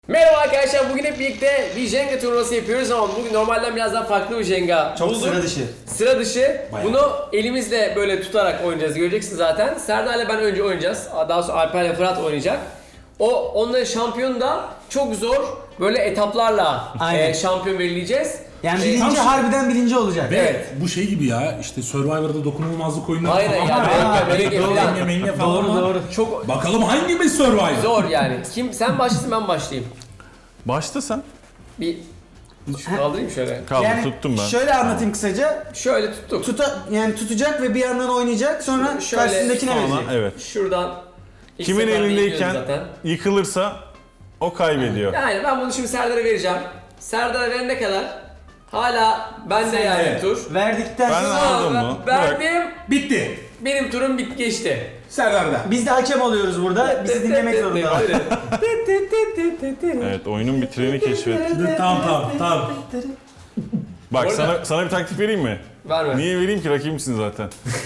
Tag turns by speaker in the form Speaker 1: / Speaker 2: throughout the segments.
Speaker 1: Merhaba arkadaşlar, bugün hep birlikte bir Jenga turnuvası yapıyoruz ama bugün normalden biraz daha farklı bir Jenga
Speaker 2: Çok
Speaker 1: bulduk.
Speaker 2: sıra dışı.
Speaker 1: Sıra dışı.
Speaker 2: Bayağı.
Speaker 1: Bunu elimizle böyle tutarak oynayacağız, göreceksiniz zaten. Serdar'la ben önce oynayacağız, daha sonra Alper'le Fırat oynayacak. Onların şampiyonu da çok zor böyle etaplarla
Speaker 2: Aynen.
Speaker 1: şampiyon belirleyeceğiz.
Speaker 2: Yani birinci harbiden birinci olacak.
Speaker 3: Ve
Speaker 1: Evet.
Speaker 3: bu şey gibi ya işte Survivor'da dokunulmazlık oyunları
Speaker 1: Aynen
Speaker 3: falan
Speaker 1: yani,
Speaker 3: var.
Speaker 1: böyle
Speaker 3: Doğru,
Speaker 1: falan.
Speaker 3: menge falan
Speaker 2: Doğru
Speaker 3: var.
Speaker 2: doğru.
Speaker 1: Çok
Speaker 3: Bakalım hangimiz Survivor?
Speaker 1: zor yani. Sen başlasın, ben başlayayım.
Speaker 4: Başla sen.
Speaker 1: Bir şu kaldırayım şöyle.
Speaker 4: Kaldı
Speaker 2: Yani
Speaker 4: tuttum ben.
Speaker 2: şöyle anlatayım kısaca.
Speaker 1: Şöyle tuttuk.
Speaker 2: Yani tutacak ve bir yandan oynayacak. Sonra
Speaker 1: Şöyle
Speaker 2: karşısındakine
Speaker 4: Sonra
Speaker 2: verecek.
Speaker 4: evet.
Speaker 1: Şuradan ilk
Speaker 4: Kimin
Speaker 1: seferde
Speaker 4: elindeyken
Speaker 1: iniyoruz zaten.
Speaker 4: yıkılırsa o kaybediyor.
Speaker 1: Yani ben bunu şimdi Serdar'a vereceğim. Serdar'a verene kadar hala bende yani
Speaker 3: evet.
Speaker 1: tur.
Speaker 2: Verdikten
Speaker 4: Ben
Speaker 2: sonra
Speaker 4: aldım
Speaker 1: Ben
Speaker 4: mu?
Speaker 1: verdim.
Speaker 3: Bitti.
Speaker 1: Benim turum geçti.
Speaker 3: Serdar'da.
Speaker 2: biz de hakem oluyoruz burada. Bizi dinlemek zorundalar.
Speaker 4: Evet, oyunun bir treni keşfet.
Speaker 3: Tamam.
Speaker 4: Bak
Speaker 1: Bu arada-
Speaker 4: sana bir taktik vereyim mi?
Speaker 1: Verme.
Speaker 4: Niye vereyim ki, rakibimsin zaten.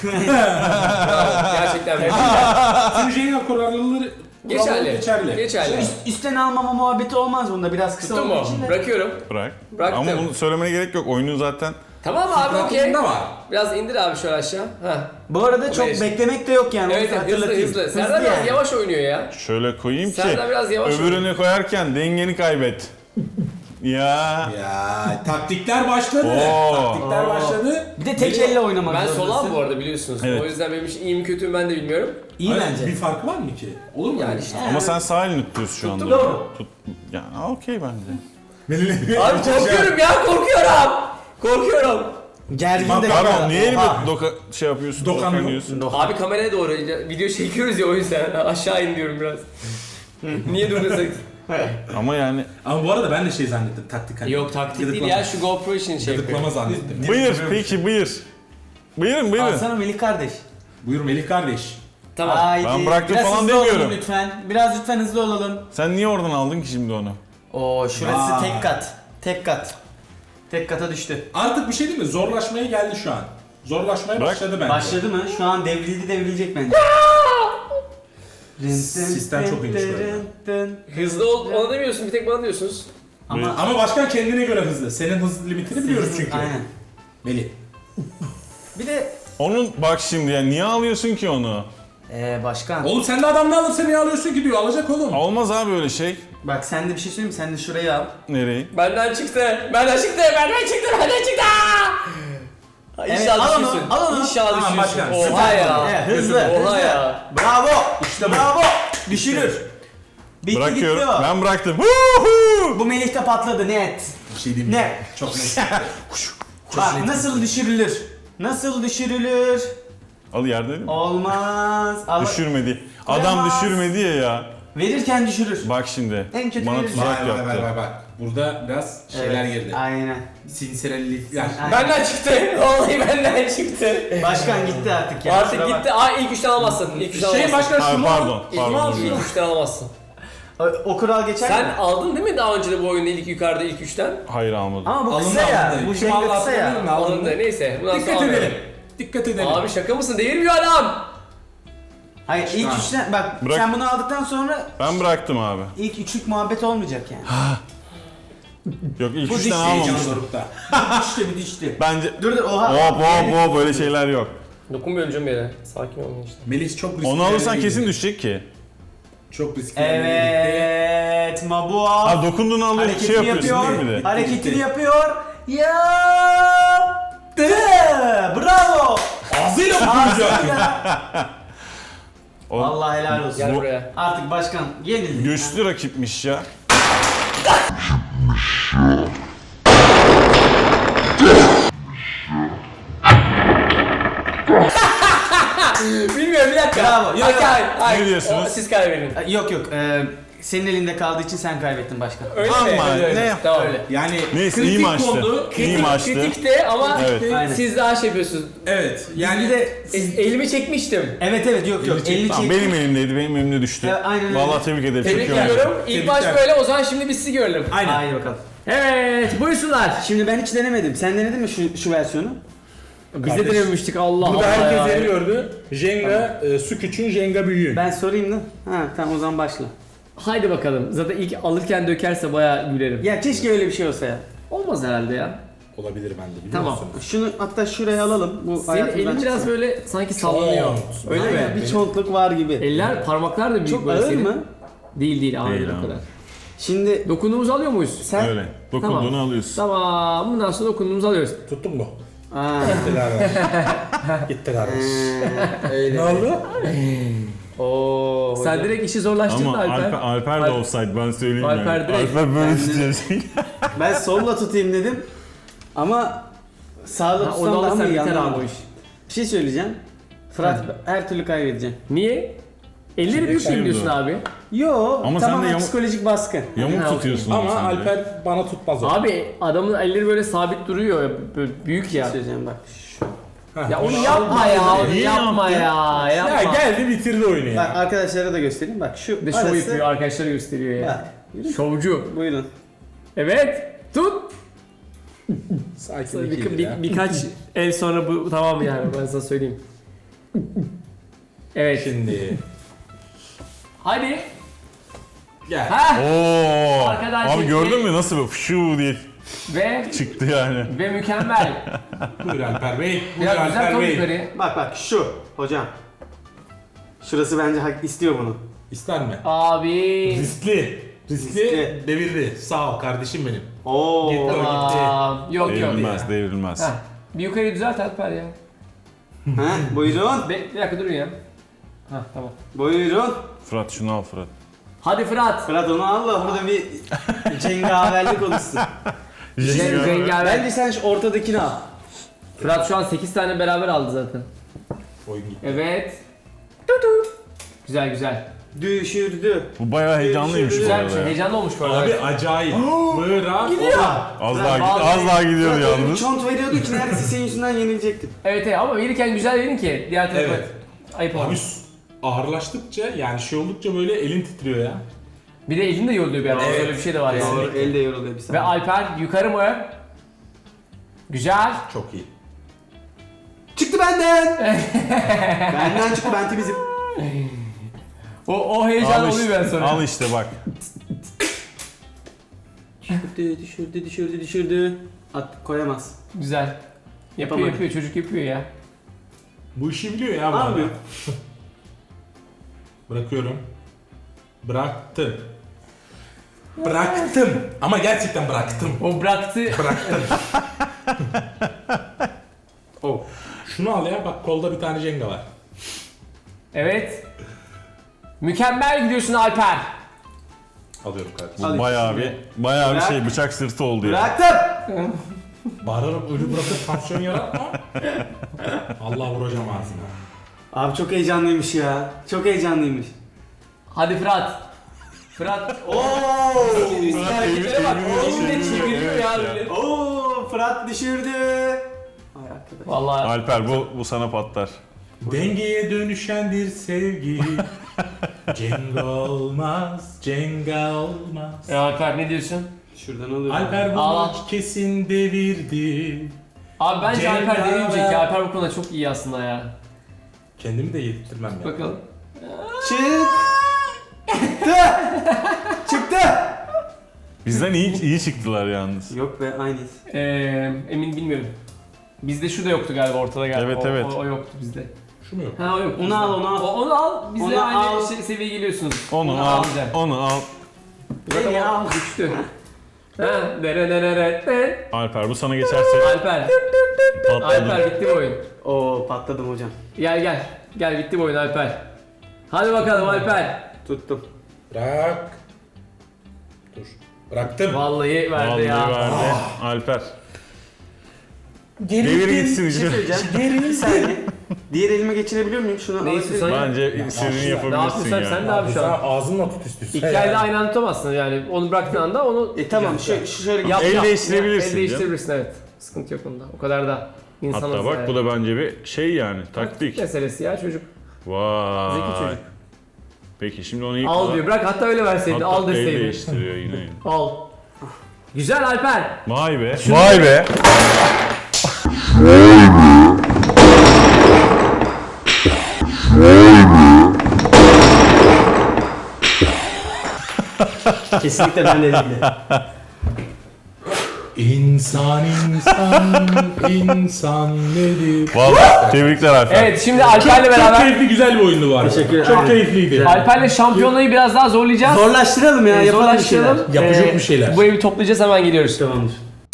Speaker 1: Gerçekten verdim.
Speaker 3: Tüm Jenga kuralları
Speaker 1: Geçerli. Geçerli.
Speaker 2: Üstten almama muhabbeti olmaz bunda, biraz kısa
Speaker 1: Tuttu
Speaker 2: olduğu
Speaker 1: mu?
Speaker 2: için de.
Speaker 1: Bırakıyorum.
Speaker 4: Bırak.
Speaker 1: Bıraktım.
Speaker 4: Ama bunu söylemene gerek yok. Oyunun zaten
Speaker 1: Tamam abi, okey.
Speaker 3: Fıtratında var.
Speaker 1: Biraz indir abi şöyle aşağı. Heh.
Speaker 2: Bu arada çok
Speaker 1: Beş.
Speaker 2: beklemek de yok yani.
Speaker 1: Evet,
Speaker 2: onu
Speaker 1: hızlı
Speaker 2: hatırlatayım.
Speaker 1: hızlı. Serdar biraz
Speaker 2: yani.
Speaker 1: yavaş oynuyor ya.
Speaker 4: şöyle koyayım ki
Speaker 1: Serdar biraz yavaş
Speaker 4: öbürünü koyarken dengeni kaybet. Ya.
Speaker 3: Ya taktikler başladı.
Speaker 4: Oo.
Speaker 3: Taktikler başladı.
Speaker 2: Bir de tek elle oynamak
Speaker 1: Ben
Speaker 2: zorundasın.
Speaker 1: solağım bu arada, biliyorsunuz.
Speaker 4: Evet.
Speaker 1: O yüzden benim için iyi mi kötü mü ben de bilmiyorum.
Speaker 2: İyi
Speaker 3: Hayır,
Speaker 2: bence.
Speaker 3: Bir farkı var mı ki? Olur mu?
Speaker 1: Yani işte.
Speaker 4: Ama sen sağ elini tutuyorsun şu anda.
Speaker 1: Tuttum. Doğru.
Speaker 4: Tut. Yani okey bence.
Speaker 1: Abi korkuyorum ya, korkuyorum. Korkuyorum.
Speaker 2: Gergin de
Speaker 4: Pardon, niye elimi
Speaker 2: Oha.
Speaker 4: şey yapıyorsun?
Speaker 3: Dokanıyor.
Speaker 4: Dokunuyorsun.
Speaker 1: Abi kameraya doğru video çekiyoruz ya, o yüzden aşağı in diyorum biraz. Niye duruyorsak?
Speaker 4: Ama yani
Speaker 3: Ama bu arada ben de şey zannettim taktik. hani.
Speaker 1: Yok, taktik değil
Speaker 3: Gıdıklama.
Speaker 1: ya, şu GoPro için şey yapıyor.
Speaker 3: Gıdıklama zannettim.
Speaker 4: buyur peki buyur. Buyurun.
Speaker 2: Alsana Melih kardeş.
Speaker 3: Buyur Melih kardeş.
Speaker 1: Tamam.
Speaker 2: Haydi.
Speaker 4: Ben bıraktım
Speaker 2: Biraz
Speaker 4: falan
Speaker 2: hızlı olalım
Speaker 4: demiyorum.
Speaker 2: lütfen. Biraz lütfen hızlı olalım.
Speaker 4: Sen niye oradan aldın ki şimdi onu?
Speaker 2: Oo, şurası
Speaker 3: Vay.
Speaker 2: tek kat. Tek kat. Tek kata düştü.
Speaker 3: Artık bir şey değil mi? Zorlaşmaya geldi şu an. Zorlaşmaya
Speaker 4: Bırak.
Speaker 3: başladı bence.
Speaker 2: Başladı mı? Şu an devrilecek bence.
Speaker 3: Sistem çok iyiymiş böyle.
Speaker 1: Hızlı ol, ona demiyorsun, bir tek bana diyorsunuz.
Speaker 2: Ama
Speaker 3: Ama başkan kendine göre hızlı. Senin hız limitini biliyoruz çünkü.
Speaker 2: Aynen.
Speaker 3: Melih.
Speaker 2: Bir de
Speaker 4: Onun bak şimdi ya, niye alıyorsun ki onu?
Speaker 2: başkan.
Speaker 3: Oğlum sen de adam ne alırsa niye alıyorsun ki diyor. Alacak oğlum.
Speaker 4: Olmaz abi öyle şey.
Speaker 2: Bak sen de bir şey söyleyeyim mi? Sen de şurayı al.
Speaker 4: Nereyi?
Speaker 1: Benden çıktı. Benden çıktı.
Speaker 2: Evet,
Speaker 1: İnşallah
Speaker 2: al onu,
Speaker 1: düşürsün.
Speaker 2: al onu.
Speaker 1: İnşallah
Speaker 3: Tamam,
Speaker 1: düşürsün.
Speaker 3: başkan,
Speaker 1: Oha
Speaker 3: süper.
Speaker 1: ya.
Speaker 2: Evet, hızlı.
Speaker 1: Oha
Speaker 2: hızlı.
Speaker 1: ya.
Speaker 2: Bravo.
Speaker 3: İşte bu.
Speaker 2: Bravo. Düşürür. Bitti
Speaker 4: Bırakıyorum.
Speaker 2: gitti o.
Speaker 4: Ben bıraktım. Woohoo!
Speaker 2: Bu Melih'te patladı net.
Speaker 3: Bir şey diyeyim mi?
Speaker 2: Ne?
Speaker 3: Çok net.
Speaker 2: Bak nasıl düşürülür? Nasıl düşürülür?
Speaker 4: Al yerde değil mi?
Speaker 2: Olmaz.
Speaker 4: Düşürmedi. Adam
Speaker 2: Kıyamaz.
Speaker 4: düşürmedi ya.
Speaker 2: Verirken düşürür.
Speaker 4: Bak şimdi.
Speaker 2: En kötü
Speaker 4: Bana
Speaker 2: verir.
Speaker 4: tuzak yaptı.
Speaker 3: Bak. Burada biraz şeyler
Speaker 2: Evet,
Speaker 3: girdi.
Speaker 2: Aynen.
Speaker 3: Sinsirelik. Yani
Speaker 2: Aynen.
Speaker 1: Benden çıktı. Vallahi benden çıktı.
Speaker 2: Başkan gitti artık ya.
Speaker 1: Artık
Speaker 2: Kusura
Speaker 1: gitti. Aa, ilk üçten alamazsın. İlk üçten
Speaker 3: şey
Speaker 1: alamazsın.
Speaker 3: başkan
Speaker 4: Ay,
Speaker 3: şunu
Speaker 4: pardon.
Speaker 3: al.
Speaker 1: İlk üçten alamazsın.
Speaker 2: bak. O kural geçer
Speaker 1: Sen
Speaker 2: mi?
Speaker 1: aldın değil mi daha önce de bu oyunda ilk yukarıda ilk üçten?
Speaker 4: Hayır almadım.
Speaker 2: Ama bu
Speaker 3: Alındı,
Speaker 2: kısa ya.
Speaker 3: alındı.
Speaker 2: Bu
Speaker 3: Kim
Speaker 2: Jenga
Speaker 3: aldı
Speaker 2: kısa ya.
Speaker 3: hatırlamıyorum. Alındı.
Speaker 1: Alındı. Neyse. Bundan sonra
Speaker 3: Dikkat edelim.
Speaker 1: almayalım.
Speaker 3: Dikkat edelim.
Speaker 1: Abi şaka mısın? Devirmiyor adam.
Speaker 2: Hayır ilk
Speaker 3: Ha.
Speaker 2: üçten bak
Speaker 4: Bırak.
Speaker 2: sen bunu aldıktan sonra
Speaker 4: Ben bıraktım abi.
Speaker 2: ilk üçlük muhabbet olmayacak yani.
Speaker 4: Yok ilk
Speaker 2: Bu
Speaker 4: üçten
Speaker 2: diş
Speaker 4: almamıştım.
Speaker 3: Heyecan dorukta.
Speaker 2: düştü bir düştü.
Speaker 4: Bence
Speaker 2: Dur oha.
Speaker 4: hop böyle şeyler yok.
Speaker 1: Dokunmuyorum canım yere. Sakin olun işte.
Speaker 3: Melis çok riskli.
Speaker 4: Onu alırsan
Speaker 3: yerlere
Speaker 4: kesin
Speaker 3: girdi.
Speaker 4: düşecek ki.
Speaker 3: Çok riskli. yerlere
Speaker 2: Evet Mabua.
Speaker 4: Ha dokunduğunu alıyor,
Speaker 2: Hareketini
Speaker 4: şey yapıyorsun
Speaker 2: yapıyor.
Speaker 4: değil mi bir de?
Speaker 2: Hareketini yapıyor. Yaptı. Bravo.
Speaker 3: gitti. Ağzıyla dokunacak.
Speaker 4: O
Speaker 2: Allah helal olsun.
Speaker 1: Gel
Speaker 4: Bu-
Speaker 1: buraya.
Speaker 2: Artık başkan yenildi.
Speaker 4: güçlü rakipmiş ya.
Speaker 1: Bilmiyorum, bir dakika.
Speaker 2: Bravo. Yok, yok.
Speaker 1: Hayır.
Speaker 4: Ne diyorsunuz?
Speaker 1: Siz kaybedin.
Speaker 2: Yok yok. Senin elinde kaldığı için sen kaybettin başkan.
Speaker 1: Öyle mi?
Speaker 4: Ama
Speaker 1: Öyle.
Speaker 4: ne yap-
Speaker 1: Tamam.
Speaker 2: Öyle.
Speaker 3: Yani
Speaker 4: Neyse
Speaker 3: kritik
Speaker 4: iyi maçtı.
Speaker 3: oldu.
Speaker 4: İyi
Speaker 1: Kritik,
Speaker 4: maçtı.
Speaker 1: kritikti ama
Speaker 4: Evet.
Speaker 2: Aynen.
Speaker 1: siz daha şey yapıyorsunuz.
Speaker 3: Evet. Yani
Speaker 2: Bir de
Speaker 1: Elimi çekmiştim.
Speaker 2: evet yok yok. Elini
Speaker 4: Tamam,
Speaker 2: çek.
Speaker 4: benim elimdeydi, benim elimde düştü.
Speaker 2: Evet, aynen öyle.
Speaker 4: Vallahi tebrik ederim.
Speaker 1: Tebrik
Speaker 4: çok iyi oynadı.
Speaker 1: ediyorum. İlk maç
Speaker 3: Tebrikler.
Speaker 1: böyle, o zaman şimdi biz sizi görelim.
Speaker 3: aynen.
Speaker 2: Haydi bakalım.
Speaker 1: Evet, buyursunlar.
Speaker 2: Şimdi ben hiç denemedim. Sen denedin mi şu versiyonu?
Speaker 1: Biz de
Speaker 3: Kardeş,
Speaker 1: denememiştik, Allah
Speaker 3: Burada
Speaker 1: Allah
Speaker 3: herkes
Speaker 1: ya.
Speaker 3: yeni gördü. Jenga, su küçüğün, Jenga büyüğün.
Speaker 2: Ben sorayım da. Ha tamam o zaman başla.
Speaker 1: Haydi bakalım. Zaten ilk alırken dökerse bayağı gülerim.
Speaker 2: Ya keşke öyle bir şey olsa ya.
Speaker 1: Olmaz herhalde ya.
Speaker 3: Olabilir bende biliyor
Speaker 1: Tamam.
Speaker 3: musun?
Speaker 2: Şunu hatta şuraya alalım. Bu
Speaker 1: Senin
Speaker 2: hayatımdan
Speaker 1: elin biraz
Speaker 2: çıksın.
Speaker 1: böyle sanki sallanıyor.
Speaker 3: Çok.
Speaker 1: Öyle
Speaker 2: Aynen,
Speaker 1: mi?
Speaker 2: bir çontluk var gibi.
Speaker 1: Eller, parmaklar da büyük
Speaker 2: Çok
Speaker 1: böyle
Speaker 2: ağır
Speaker 1: senin.
Speaker 2: mı?
Speaker 1: Değil ağır
Speaker 4: Değil
Speaker 1: değil o
Speaker 4: abi.
Speaker 1: kadar.
Speaker 2: Şimdi
Speaker 1: Dokunduğumuzu alıyor muyuz?
Speaker 2: sen...
Speaker 4: Öyle. Dokunduğunu alıyorsun.
Speaker 1: Tamam. Bundan sonra dokunduğumuzu alıyoruz.
Speaker 3: Tuttun mu?
Speaker 2: Aa,
Speaker 3: Gitti kardeş. Gitti kardeş.
Speaker 2: öyle.
Speaker 3: Ne oldu?
Speaker 2: Oo,
Speaker 1: Sen direkt işi zorlaştırdın
Speaker 4: Ama
Speaker 1: Alper.
Speaker 4: Alper de offside ben söyleyeyim
Speaker 1: Alper
Speaker 4: yani.
Speaker 1: direkt-
Speaker 4: Alper böyle
Speaker 2: Ben de-
Speaker 4: tutuyor.
Speaker 2: Ben solla tutayım dedim. Ama sağla
Speaker 1: Ha,
Speaker 2: tutsam
Speaker 1: onu
Speaker 2: daha mı
Speaker 1: alırsan
Speaker 2: iyi
Speaker 1: biter abi o
Speaker 2: anlamadım.
Speaker 1: iş.
Speaker 2: Bir şey söyleyeceğim. Fırat her türlü kaybedeceğim.
Speaker 1: Niye? Elleri büyük
Speaker 4: Şimdi-
Speaker 1: diyorsun abi.
Speaker 2: Yo,
Speaker 4: Ama sen de
Speaker 2: tamamen
Speaker 4: yamuk-
Speaker 2: psikolojik baskı.
Speaker 4: Yamuk
Speaker 1: Ha,
Speaker 4: tutuyorsun
Speaker 3: Ama
Speaker 4: sen de.
Speaker 3: Alper bana tutmaz o.
Speaker 1: Abi adamın elleri böyle sabit duruyor. Böyle büyük ya.
Speaker 2: Söyleyeceğim bak. Şu.
Speaker 3: Heh.
Speaker 1: Ya onu yapma ya.
Speaker 4: Niye
Speaker 1: Yapma
Speaker 4: yaptın?
Speaker 1: ya. Yapma.
Speaker 3: Ya geldi bitirdi oyunu
Speaker 2: Bak
Speaker 3: ya.
Speaker 2: arkadaşlara da göstereyim. Bak şu
Speaker 1: Bir de şov
Speaker 2: arası.
Speaker 1: yapıyor. Arkadaşlara gösteriyor ya.
Speaker 2: Bak, yürü.
Speaker 1: Şovcu.
Speaker 2: Buyurun.
Speaker 1: Evet. Tut.
Speaker 3: Sakin bir
Speaker 1: Birkaç el sonra bu tamam yani ben sana söyleyeyim. Evet.
Speaker 3: Şimdi
Speaker 1: Hadi.
Speaker 3: gel.
Speaker 1: Ha.
Speaker 4: Oo.
Speaker 1: Arkadan
Speaker 4: Abi
Speaker 1: çekti.
Speaker 4: gördün mü nasıl böyle fışuu diye
Speaker 1: Ve
Speaker 4: çıktı yani.
Speaker 1: mükemmel.
Speaker 3: Buyur Alper Bey. Buyur
Speaker 1: Biraz güzel
Speaker 3: Alper
Speaker 1: top
Speaker 3: Bey.
Speaker 1: yukarı.
Speaker 2: Bak şu hocam. Şurası bence hak istiyor bunu.
Speaker 3: İster mi?
Speaker 1: Abi.
Speaker 3: Riskli.
Speaker 2: Riskli.
Speaker 3: Devirdi. Sağ ol kardeşim benim.
Speaker 2: Oo.
Speaker 3: Gitti.
Speaker 1: Tamam. Yok yok.
Speaker 4: Devrilmez, devrilmez.
Speaker 1: Heh. Bir yukarı düzelt Alper ya.
Speaker 2: Ha, buyurun.
Speaker 1: Bir dakika durun ya. Hah tamam.
Speaker 2: Buyurun.
Speaker 4: Fırat şunu al Fırat.
Speaker 1: Hadi Fırat.
Speaker 2: Fırat onu al da burada bir cengaverlik oluşsun.
Speaker 1: Rengarenk.
Speaker 2: Bence sen şu ortadakini al.
Speaker 1: Fırat şu an 8 tane beraber aldı zaten.
Speaker 3: Oyun gitti.
Speaker 1: Evet. Tutu. Güzel güzel.
Speaker 2: Düşürdü.
Speaker 4: Bu bayağı heyecanlıymış bu
Speaker 1: Güzel bir
Speaker 4: arada
Speaker 1: şey.
Speaker 4: ya.
Speaker 1: Heyecanlı olmuş bu arada.
Speaker 3: Abi acayip. Bravo.
Speaker 4: Az
Speaker 2: Fırat,
Speaker 4: daha gidiyordu
Speaker 2: Fırat öyle bir
Speaker 4: yalnız.
Speaker 2: çont veriyordu ki neredeyse senin yüzünden yenilecektim.
Speaker 1: Evet ama verirken güzel verin ki diğer tarafa
Speaker 3: Evet.
Speaker 1: ayıp
Speaker 3: Abi
Speaker 1: olmaz.
Speaker 3: ağırlaştıkça yani şey oldukça böyle elin titriyor ya.
Speaker 1: Bir de elin de yoruluyor bir ara.
Speaker 3: Evet.
Speaker 1: Öyle bir şey de var yani.
Speaker 3: Kesinlikle.
Speaker 2: Elde yoruluyor bir
Speaker 1: Ve
Speaker 2: saniye.
Speaker 1: Alper yukarı mı? Güzel.
Speaker 3: Çok iyi.
Speaker 2: Çıktı benden. Benden çıktı, ben temizim.
Speaker 1: O heyecan
Speaker 4: Al
Speaker 1: oluyor ben
Speaker 4: işte,
Speaker 1: sonra.
Speaker 4: al işte bak.
Speaker 2: Düşürdü. At koyamaz.
Speaker 1: Güzel. Yapıyor
Speaker 2: Yapamadı.
Speaker 1: yapıyor çocuk yapıyor ya.
Speaker 3: Bu işi biliyor ya bu
Speaker 2: Almıyor.
Speaker 3: adam. Bırakıyorum. Bıraktım. Bıraktım. Ama gerçekten bıraktım.
Speaker 1: O bıraktı.
Speaker 3: Bıraktım. Oh. Şunu al ya, bak kolda bir tane Jenga var.
Speaker 1: Evet. Mükemmel gidiyorsun Alper.
Speaker 3: Alıyorum kardeşim.
Speaker 2: Al
Speaker 4: Bayağı
Speaker 2: işte.
Speaker 4: bayağı bir
Speaker 2: Bırak.
Speaker 4: şey bıçak sırtı oldu ya.
Speaker 2: Bıraktım.
Speaker 3: Bağırarak ölü bırakıp tansiyon yaratma. Allah vuracağım ağzına.
Speaker 2: Abi çok heyecanlıymış ya. Çok heyecanlıymış.
Speaker 1: Hadi Fırat. Fırat.
Speaker 2: Oo!
Speaker 1: Hareketlere bak.
Speaker 4: Evet,
Speaker 1: Elinde
Speaker 4: evet,
Speaker 1: çeviriyor
Speaker 4: evet
Speaker 1: ya
Speaker 4: ya.
Speaker 1: böyle.
Speaker 2: Oo! Fırat düşürdü. Ay arkadaş.
Speaker 1: Vallahi.
Speaker 4: Alper bu sana patlar.
Speaker 3: Dengeye dönüşendir sevgi. Jenga olmaz, Jenga olmaz.
Speaker 1: Alper ne diyorsun?
Speaker 2: Şuradan alıyorum.
Speaker 3: Alper
Speaker 1: Al.
Speaker 3: bunu kesin devirdi.
Speaker 1: Abi bence
Speaker 3: Cenk
Speaker 1: Alper
Speaker 3: abi.
Speaker 1: deneyecek ya. Alper bu konuda çok iyi aslında ya.
Speaker 3: Kendimi de yedirtmem ya.
Speaker 1: Bakalım.
Speaker 2: Çıktı. Çıktı.
Speaker 4: Bizden iyi çıktılar yalnız.
Speaker 2: Yok be, aynıyız.
Speaker 1: Emin bilmiyorum. Bizde şu da yoktu galiba ortada galiba.
Speaker 4: Evet,
Speaker 1: O-
Speaker 4: evet.
Speaker 1: O yoktu bizde.
Speaker 3: Şu mu yok?
Speaker 1: Ha o yok.
Speaker 2: Onu
Speaker 1: bizde.
Speaker 2: al, onu al.
Speaker 1: Onu al. Bizle
Speaker 2: Onu
Speaker 1: aynı
Speaker 2: al.
Speaker 1: seviyeye geliyorsunuz.
Speaker 4: Onu al,
Speaker 1: güzel.
Speaker 4: onu al.
Speaker 2: Beni al.
Speaker 1: Düştü. Ha, dere.
Speaker 4: Alper bu sana geçerse
Speaker 1: Alper.
Speaker 4: patladı.
Speaker 1: Alper bitti bu oyun.
Speaker 2: Oo, patladım hocam.
Speaker 1: Gel. Gel bitti bu oyun Alper. Hadi bakalım Alper.
Speaker 2: Tuttum.
Speaker 3: Bırak. Dur. Bıraktım.
Speaker 1: Vallahi verdi
Speaker 4: Vallahi
Speaker 1: ya.
Speaker 4: verdi. Alper. Devir gitsin
Speaker 2: Bir şey
Speaker 4: işte.
Speaker 2: söyleyeceğim. Bir saniye. Diğer elime geçirebiliyor muyum? Şunu
Speaker 1: Ne
Speaker 2: alabilir
Speaker 1: istiyorsan
Speaker 2: miyim?
Speaker 4: Bence istediğini
Speaker 1: Ne
Speaker 4: yapabilirsin
Speaker 1: yapıyorsan
Speaker 4: yani.
Speaker 1: sen de abi şu
Speaker 3: Sen
Speaker 1: an.
Speaker 3: ağzınla tut istiyorsan.
Speaker 1: İki elde aynı anda tutamazsın yani. Onu bıraktığın anda onu
Speaker 2: Tamam, şöyle
Speaker 1: yap.
Speaker 4: El değiştirebilirsin
Speaker 1: El değiştirebilirsin evet. Sıkıntı yok onda. O kadar da insanız
Speaker 4: Hatta bak
Speaker 1: yani.
Speaker 4: bu da bence bir şey yani taktik.
Speaker 1: meselesi ya çocuk.
Speaker 4: Vay.
Speaker 1: Zeki çocuk.
Speaker 4: Peki şimdi onu ilk
Speaker 1: Al diyor. Bırak hatta öyle verseydin.
Speaker 4: Hatta
Speaker 1: Al
Speaker 4: el
Speaker 1: deseydin.
Speaker 4: değiştiriyor yine.
Speaker 1: Al. Güzel Alper.
Speaker 4: Vay be. Vay be.
Speaker 2: Kesinlikle ben de değildi.
Speaker 3: İnsan nedir?
Speaker 4: Vallahi tebrikler Alper.
Speaker 1: Evet şimdi Alper'le
Speaker 3: Çok
Speaker 1: beraber
Speaker 3: keyifli, güzel bir oyundu var.
Speaker 2: Teşekkür ederim.
Speaker 3: Çok keyifliydi.
Speaker 1: Alper'le şampiyonayı biraz daha zorlayacağız.
Speaker 2: Zorlaştıralım ya, yapalım bir şeyler.
Speaker 1: Zorlaştıralım.
Speaker 3: Yapacak bir şeyler.
Speaker 1: Bu evi toplayacağız, hemen geliyoruz.
Speaker 2: Tamamdır.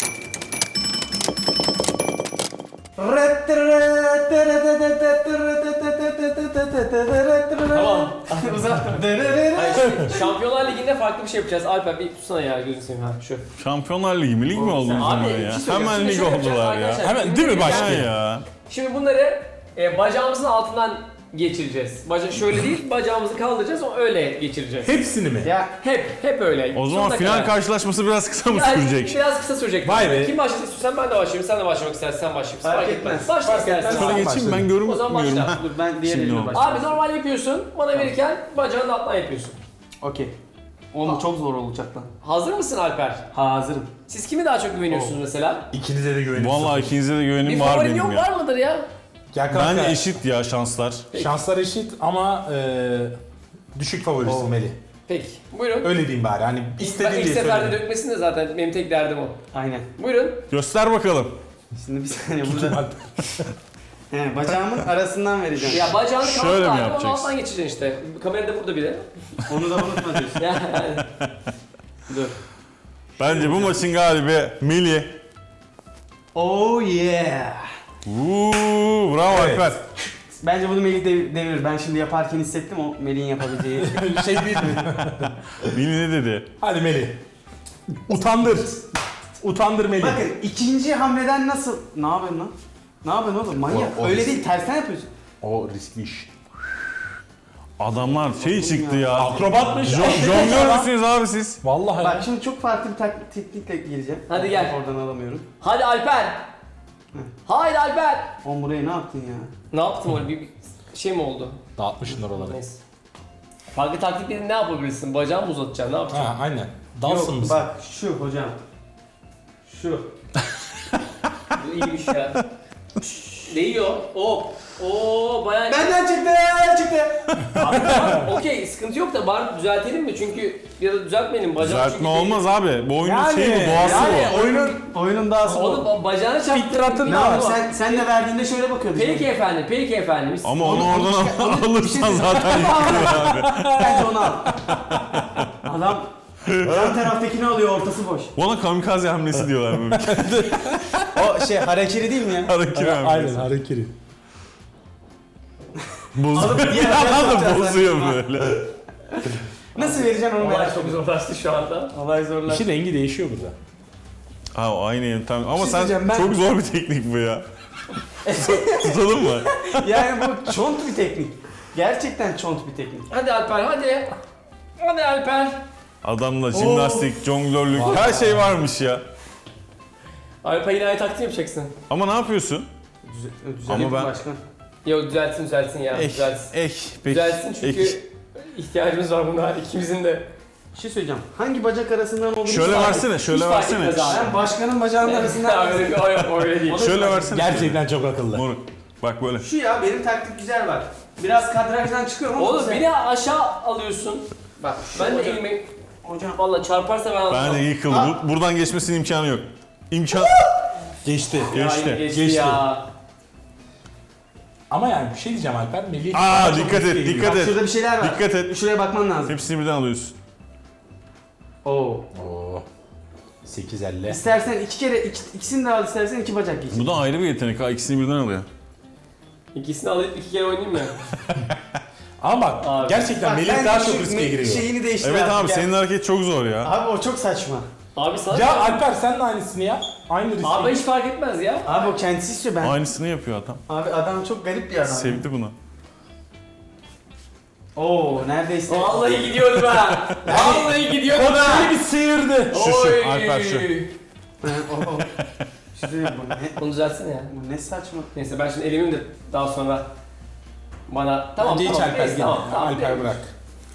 Speaker 1: Tamam. Hayır, şimdi Şampiyonlar Ligi'nde farklı bir şey yapacağız. Alper bir tutsana ya, gözünü seveyim ha şu.
Speaker 4: Şampiyonlar Ligi mi? Lig mi oldu bizim
Speaker 1: Abi,
Speaker 4: ya?
Speaker 1: bir şey söyleyeceğim.
Speaker 4: Hemen
Speaker 1: Şimdi
Speaker 4: lig
Speaker 1: şöyle yapacağız
Speaker 4: oldular ya.
Speaker 1: arkadaşlar.
Speaker 3: Hemen değil mi
Speaker 4: Ha
Speaker 3: başlıyor?
Speaker 4: ya.
Speaker 1: Şimdi bunları bacağımızın altından geçireceğiz. Şöyle değil, bacağımızı kaldıracağız, o öyle geçireceğiz.
Speaker 3: Hepsini mi?
Speaker 2: Ya
Speaker 1: Hep öyle.
Speaker 4: O zaman
Speaker 1: Sonuna
Speaker 4: final
Speaker 1: kadar.
Speaker 4: karşılaşması biraz kısa mı
Speaker 1: Yani
Speaker 4: sürecek?
Speaker 1: Biraz kısa sürecek.
Speaker 3: Vay be.
Speaker 1: Kim başlasın istiyorsan ben de başlayayım, sen de başlamak istersen sen başlayabilirsin.
Speaker 2: Fark etmez.
Speaker 1: Başla
Speaker 2: Fark
Speaker 1: istersen.
Speaker 2: etmez.
Speaker 4: Şöyle
Speaker 1: Abi.
Speaker 4: geçeyim ben
Speaker 1: O zaman
Speaker 4: görünmüyorum.
Speaker 1: başla.
Speaker 2: dur, ben diğer
Speaker 4: Şimdi
Speaker 2: elimle
Speaker 4: o.
Speaker 2: başlayayım.
Speaker 1: Abi normal yapıyorsun, bana verirken bacağını alttan yapıyorsun.
Speaker 2: Okey. Oğlum çok zor olacak lan.
Speaker 1: Hazır mısın Alper?
Speaker 2: Hazırım.
Speaker 1: Siz kimi daha çok güveniyorsunuz mesela?
Speaker 3: İkinize de güveniyorum.
Speaker 4: Vallahi ikinize de
Speaker 1: Bir
Speaker 4: güvenim var
Speaker 1: favorin
Speaker 4: benim
Speaker 1: yok,
Speaker 4: ya.
Speaker 1: var mıdır ya?
Speaker 3: Gel kanka.
Speaker 4: Bence eşit ya şanslar.
Speaker 3: Şanslar eşit ama düşük favorisi Melih.
Speaker 1: Peki, buyurun.
Speaker 3: Öyle diyeyim bari. Hani istediğin
Speaker 1: İlk
Speaker 3: diye
Speaker 1: seferde
Speaker 3: söyleyeyim.
Speaker 1: dökmesin de zaten benim tek derdim o.
Speaker 2: Aynen.
Speaker 1: Buyurun.
Speaker 4: Göster bakalım.
Speaker 2: Şimdi bir saniye burada. He, bacağımın arasından vereceğim.
Speaker 1: Ya bacağını
Speaker 4: Şöyle
Speaker 1: kaldır
Speaker 4: mi
Speaker 1: abi, onu
Speaker 4: yapacaksın?
Speaker 1: alttan geçireceksin işte. Kamera da burada bile.
Speaker 2: Onu da unutma diyorsun.
Speaker 1: Yani.
Speaker 2: Dur.
Speaker 4: Bence bu maçın galibi Melih.
Speaker 2: Oh yeah.
Speaker 4: Bravo
Speaker 3: Evet.
Speaker 4: Alper.
Speaker 2: Bence bunu Melih devirir. Ben şimdi yaparken hissettim o Melih'in yapabileceği.
Speaker 3: Şey değil mi?
Speaker 4: Melih ne dedi?
Speaker 3: Hadi Melih. Utandır. Utandır Melih.
Speaker 2: Bakın ikinci hamleden nasıl... Ne yapıyorsun lan? Ne yapıyorsun oğlum? Manyak.
Speaker 3: O
Speaker 2: Öyle
Speaker 3: risk.
Speaker 2: değil, tersten yapıyorsun.
Speaker 3: O riskli iş.
Speaker 4: Adamlar şey çıktı ya.
Speaker 3: Akrobatmış.
Speaker 4: Jonglör müsünüz abi siz?
Speaker 3: Vallahi.
Speaker 2: Bak şimdi çok farklı bir teknikle gireceğim.
Speaker 1: Hadi gel.
Speaker 2: Oradan alamıyorum.
Speaker 1: Hadi Alper. Haydi Alper.
Speaker 2: Oğlum buraya ne yaptın ya?
Speaker 1: Ne yaptım öyle bir şey mi oldu?
Speaker 3: Dağıtmışsın oraları.
Speaker 1: Neyse. Farklı taktikleri ne yapabilirsin? Bacağımı mı uzatacaksın? Ne yapacaksın?
Speaker 3: Ha aynen. Dalsın
Speaker 2: Yok,
Speaker 3: mısın?
Speaker 2: bak şu hocam. Şu.
Speaker 1: Bu iyiymiş ya. Değiyor. Hop. Oo bayağı...
Speaker 2: Benden çıktı.
Speaker 1: Abi, tamam, okey sıkıntı yok da bari düzeltelim mi? Çünkü ya da düzeltmeyelim. Bacağım
Speaker 4: Düzeltme olmaz abi. Bu oyunun
Speaker 3: Yani,
Speaker 4: şeyi bu, doğası bu.
Speaker 2: Oyunun dahası bu.
Speaker 1: Oğlum bacağını çarptı.
Speaker 3: Fitratın
Speaker 2: Ne
Speaker 3: da
Speaker 2: abi sen de verdiğinde şöyle bakıyordun.
Speaker 1: Peki efendim, peki efendim.
Speaker 4: Ama onu oradan
Speaker 2: onu-
Speaker 4: alırsan zaten yıkılır abi.
Speaker 2: Bence onu al. Adam yan taraftakini alıyor, ortası boş.
Speaker 4: Ona kamikaze hamlesi diyorlar böyle.
Speaker 2: O şey hareketi değil mi ya?
Speaker 4: Hareketi
Speaker 3: Aynen
Speaker 4: hamlesi.
Speaker 3: hareketi.
Speaker 4: Bozuyor.
Speaker 2: diğer
Speaker 4: Adam
Speaker 2: taraftan
Speaker 4: bozuyor böyle.
Speaker 2: Nasıl vereceksin onu
Speaker 1: Olay
Speaker 2: merak
Speaker 1: çok
Speaker 2: ediyorum.
Speaker 1: zorlaştı şu anda.
Speaker 2: Olay zorlar.
Speaker 3: İşin rengi değişiyor burada.
Speaker 4: Ha aynı yöntem. Ama
Speaker 2: şey
Speaker 4: sen
Speaker 2: diyeceğim, ben-
Speaker 4: çok zor bir teknik bu ya. Tutalım mı?
Speaker 2: Yani bu çont bir teknik. Gerçekten çont bir teknik.
Speaker 1: Hadi Alper hadi. Hadi Alper.
Speaker 4: Adamla jimnastik, jonglörlük her şey varmış ya.
Speaker 1: Alper yine aynı taktiği yapacaksın.
Speaker 4: Ama ne yapıyorsun?
Speaker 2: Düzenli
Speaker 4: Ama ben-
Speaker 2: başkan.
Speaker 1: Yok düzeltsin ya. Düzeltsin.
Speaker 4: Peki.
Speaker 1: Düzeltsin çünkü
Speaker 4: Ek.
Speaker 1: ihtiyacımız var buna ikimizin de.
Speaker 2: Bir şey söyleyeceğim. Hangi bacak arasından olduğunu
Speaker 4: Şöyle
Speaker 2: fark
Speaker 4: versene,
Speaker 2: et.
Speaker 4: şöyle
Speaker 1: Hiç fark
Speaker 4: versene.
Speaker 1: etmez abi.
Speaker 2: Ben başkanın bacağının arasından...
Speaker 1: öyle bir öyle değil.
Speaker 4: Şöyle versene.
Speaker 3: Gerçekten çok akıllı.
Speaker 4: Moruk. Bak böyle.
Speaker 2: Şu ya benim taktik güzel var. Biraz kadrajdan çıkıyorum ama
Speaker 1: Oğlum
Speaker 2: güzel.
Speaker 1: beni aşağı alıyorsun.
Speaker 2: Bak şu
Speaker 1: Ben de
Speaker 2: hocam-
Speaker 1: elimi
Speaker 2: Hocam
Speaker 1: valla çarparsa ben
Speaker 4: Ben de
Speaker 1: anlamam.
Speaker 4: yıkıldı. Buradan geçmesinin imkanı yok. İmkan
Speaker 3: Geçti.
Speaker 1: Ya,
Speaker 4: geçti.
Speaker 1: geçti
Speaker 3: Geçti.
Speaker 1: ya.
Speaker 3: Ama yani bir şey diyeceğim Alper. Melih...
Speaker 4: Aa,
Speaker 3: çok
Speaker 4: dikkat et,
Speaker 3: riskli
Speaker 4: dikkat
Speaker 3: geliyor.
Speaker 2: bak
Speaker 4: et.
Speaker 2: şurada bir şeyler var.
Speaker 4: Dikkat et.
Speaker 2: Şuraya bakman lazım.
Speaker 4: Hepsini birden alıyorsun.
Speaker 2: Oo.
Speaker 3: Oo. 8.50.
Speaker 2: İstersen ikisini de al, istersen iki bacak giy.
Speaker 4: Bu da ayrı bir yetenek ha. İkisini birden alıyor.
Speaker 1: İkisini alıp iki kere oynayayım mı?
Speaker 3: Ama bak
Speaker 1: Abi.
Speaker 3: gerçekten
Speaker 2: Bak,
Speaker 3: Melih
Speaker 2: ben
Speaker 3: daha
Speaker 2: şu
Speaker 3: çok riske giriyor.
Speaker 2: Şeyini değiştir
Speaker 4: Evet
Speaker 2: artık
Speaker 4: abi
Speaker 2: ya.
Speaker 4: senin hareket çok zor ya.
Speaker 2: Abi o çok saçma.
Speaker 1: Abi sana
Speaker 3: Ya Alper sen de aynısını yap. Aynı riski.
Speaker 1: Abi hiç fark etmez ya.
Speaker 2: Abi o kendisi istiyor ben.
Speaker 4: Aynısını yapıyor adam.
Speaker 2: Abi adam çok garip bir adam.
Speaker 4: Sevdi bunu.
Speaker 2: Oo neredeyse.
Speaker 1: Vallahi gidiyordu ha. Vallahi gidiyordu
Speaker 3: Seni
Speaker 1: ha.
Speaker 3: bir sıyırdı.
Speaker 4: Şu, Alper şu.
Speaker 2: O. Bir şey söyleyeyim, bu ne?
Speaker 1: Onu düzeltsene ya.
Speaker 2: Bu ne saçma.
Speaker 1: Neyse ben şimdi elimim de daha sonra bana... Tamam
Speaker 3: Bence hiç
Speaker 1: tamam.
Speaker 3: Alper
Speaker 1: neyse,
Speaker 3: gitme.
Speaker 1: tamam,
Speaker 3: Alper
Speaker 1: neyse.
Speaker 3: bırak.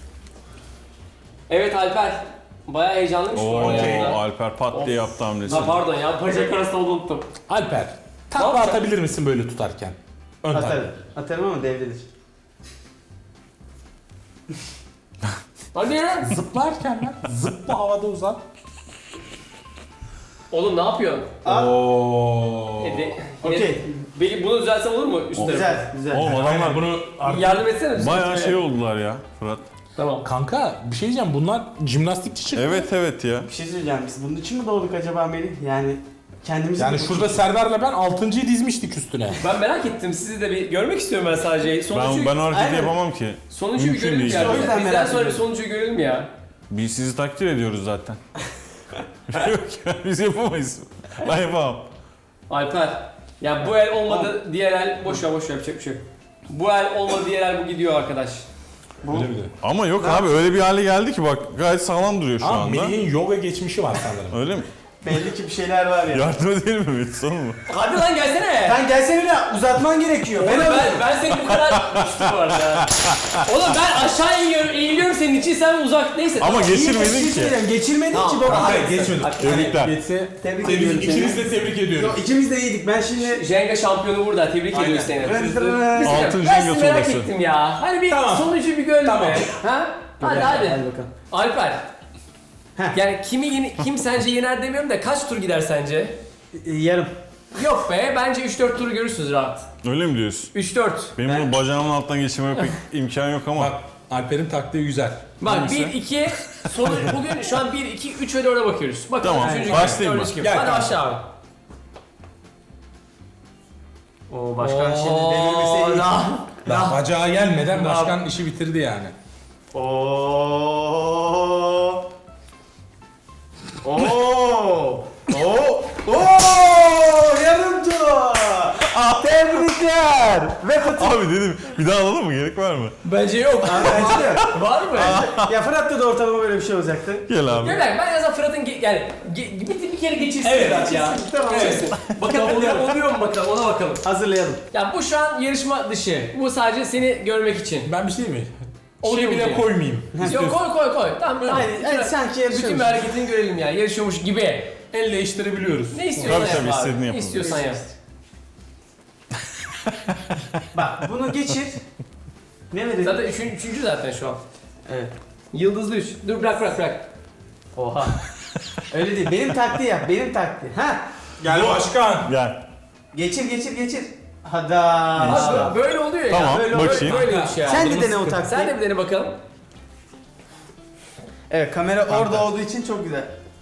Speaker 1: Evet Alper. Bayağı heyecanlıymış bu
Speaker 4: Oo,
Speaker 1: arada.
Speaker 4: Alper pat diye yaptı hamlesini.
Speaker 1: Ha pardon ya bacak arasında unuttum.
Speaker 3: Alper.
Speaker 1: Ne
Speaker 3: Takla
Speaker 1: yapacak?
Speaker 3: atabilir misin böyle tutarken? Ön takla.
Speaker 2: Atarım. Atarım ama devrilir.
Speaker 1: Hadi ya.
Speaker 3: Zıplarken lan. Zıpla havada uzat.
Speaker 1: Oğlum ne yapıyorsun?
Speaker 3: Ooo.
Speaker 2: Okey.
Speaker 1: Belki bunu düzelsem olur mu üstüne?
Speaker 2: Güzel, güzel.
Speaker 4: Oğlum adamlar
Speaker 3: Bunu
Speaker 1: Yardım etsene.
Speaker 4: bayağı şey oldular ya Fırat.
Speaker 1: Tamam.
Speaker 3: Kanka bir şey diyeceğim, bunlar jimnastikçi çıktı.
Speaker 4: Evet ya.
Speaker 2: Bir şey söyleyeceğim, biz bunun için mi doğduk acaba Melih? Yani kendimizi...
Speaker 3: Yani şurada Serdar'la ben 6.'yı dizmiştik üstüne.
Speaker 1: Ben merak ettim. Sizi de bir görmek istiyorum ben sadece. Sonucu,
Speaker 4: Ben o hareketi
Speaker 2: Aynen.
Speaker 4: yapamam ki.
Speaker 1: sonucu bir
Speaker 4: Mümkün
Speaker 1: görelim
Speaker 4: değil.
Speaker 1: ya.
Speaker 2: O yüzden
Speaker 1: Bizden
Speaker 2: merak
Speaker 1: sonra bir
Speaker 2: ediyorum.
Speaker 1: sonucu görelim ya.
Speaker 4: Biz sizi takdir ediyoruz zaten. Yok ya biz yapamayız. Ben yapamam.
Speaker 1: Alper. Ya bu el olmadı, diğer el boş ver yapacak bir şey yok. Bu el olmadı, diğer el bu gidiyor arkadaş.
Speaker 3: Öyle bir de.
Speaker 4: Ama yok abi öyle bir hale geldi ki bak gayet sağlam duruyor şu
Speaker 3: Ama
Speaker 4: anda.
Speaker 3: Melih'in yoga geçmişi var sanırım.
Speaker 4: Öyle mi?
Speaker 2: Belli ki bir şeyler var ya.
Speaker 4: Yardım edelim mi Metin son mu?
Speaker 1: Hadi lan gelsene.
Speaker 2: Sen gelsene de uzatman gerekiyor.
Speaker 1: Oğlum ben seni bu kadar düştüm bu arada. Oğlum ben aşağı eğiliyorum senin için, sen uzak neyse.
Speaker 4: Ama
Speaker 1: tamam.
Speaker 4: geçirmedin ki.
Speaker 2: Geçirmedin
Speaker 1: Tamam,
Speaker 2: ki baba.
Speaker 1: tamam.
Speaker 3: Hayır geçmedim.
Speaker 4: Tebrikler.
Speaker 3: Geçse
Speaker 2: Tebrik ediyorum seni.
Speaker 3: ikiniz de tebrik ediyorum.
Speaker 2: Yok, ikimiz de iyiydik. Ben şimdi...
Speaker 1: Jenga şampiyonu burada, tebrik ediyoruz seni.
Speaker 4: Altın
Speaker 1: Ben
Speaker 4: Jenga
Speaker 1: sizi merak
Speaker 4: tuğlası.
Speaker 1: ettim ya. Hani bir
Speaker 3: Tamam.
Speaker 1: sonucu bir görelim
Speaker 3: Tamam.
Speaker 1: be. Ha? Hadi.
Speaker 2: bakalım.
Speaker 1: Alper.
Speaker 2: Heh.
Speaker 1: Yani kim sence yener demiyorum da kaç tur gider sence?
Speaker 2: Yarım.
Speaker 1: Yok be, bence 3-4 tur görürsünüz rahat.
Speaker 4: Öyle mi diyorsun?
Speaker 1: 3-4.
Speaker 4: Benim bunu bacağımın alttan geçirmeme pek imkan yok ama.
Speaker 3: Bak Alper'in taktiği güzel.
Speaker 1: Bak
Speaker 3: Hangisi?
Speaker 1: 1-2 sonuç bugün şu an 1-2-3 ve 4'e bakıyoruz. Bakalım
Speaker 4: Tamam,
Speaker 1: üçüncü
Speaker 4: başlayayım
Speaker 1: kim,
Speaker 4: ben.
Speaker 1: dördüncü kim?
Speaker 3: Gel
Speaker 1: Hadi
Speaker 3: kanka.
Speaker 1: başla abi.
Speaker 2: Oo, başkan şimdi delirmesi iyi.
Speaker 3: Daha bacağı gelmeden başkan işi bitirdi yani.
Speaker 2: Oo. Oo. Oo. Oo. Yarım tur. Tebrikler. Ve Fatih.
Speaker 4: Abi dedim bir daha alalım mı? Gerek var mı?
Speaker 1: Bence yok.
Speaker 2: Bence de.
Speaker 1: Var mı?
Speaker 2: Ya Fırat'ta da ortalama böyle bir şey olacaktı.
Speaker 4: Gel abi.
Speaker 1: Yok ben en azından Fırat'ın bir kere geçirsin
Speaker 2: Evet,
Speaker 1: Fırat ya.
Speaker 2: geçirsin, tamam.
Speaker 1: Geçirsin. Bakalım oluyor mu bakalım, ona bakalım.
Speaker 2: Hazırlayalım.
Speaker 1: Ya bu şu an yarışma dışı. Bu sadece seni görmek için.
Speaker 3: Ben bir şey mi?
Speaker 1: Oluyor
Speaker 3: Şey
Speaker 1: mu
Speaker 3: bile
Speaker 1: diye.
Speaker 3: koymayayım.
Speaker 1: Yok koy. Tamam.
Speaker 2: Aynen, sanki
Speaker 1: Bütün
Speaker 2: yarışıyormuş.
Speaker 1: bir hareketini görelim ya. Yarışıyormuş gibi.
Speaker 3: Elle değiştirebiliyoruz.
Speaker 1: Ne istiyorsan
Speaker 4: Tabii,
Speaker 1: yap
Speaker 4: tabii,
Speaker 1: abi.
Speaker 4: istediğini
Speaker 1: Ne
Speaker 4: yapalım.
Speaker 1: istiyorsan yap.
Speaker 2: Bak bunu geçir. Ne verelim?
Speaker 1: Zaten üçüncü zaten şu an.
Speaker 2: Evet.
Speaker 1: Yıldızlı 3. Dur bırak.
Speaker 2: Oha. Öyle değil. Benim taktiği yap. Benim taktiği. Ha.
Speaker 3: Gel başkan.
Speaker 4: Gel.
Speaker 2: Geçir. Hadi.
Speaker 1: Abi böyle oluyor ya.
Speaker 4: Tamam,
Speaker 1: Böyle
Speaker 4: bakayım.
Speaker 1: böyle bir şey yani.
Speaker 2: Sen de dene o taktiği.
Speaker 1: Sen de bir dene bakalım.
Speaker 2: Evet, kamera orada olduğu için çok güzel.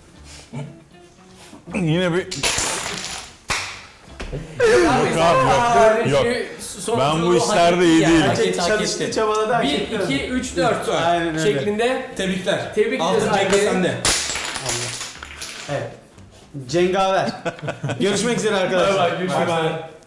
Speaker 4: Yine bir...
Speaker 1: Abi,
Speaker 4: abi, yok. Ben bu işlerde iyi değilim.
Speaker 2: Çalıştı, çabaladı. hak
Speaker 1: 1,
Speaker 2: etti.
Speaker 1: 2, 3, 4
Speaker 2: Aynen öyle.
Speaker 1: şeklinde.
Speaker 3: Tebrikler.
Speaker 1: Tebrik
Speaker 3: Altın
Speaker 1: ederiz
Speaker 3: cenga
Speaker 1: Alper'i.
Speaker 3: sende.
Speaker 2: Evet. Cengaver. Görüşmek üzere arkadaşlar.
Speaker 1: Görüşmek üzere.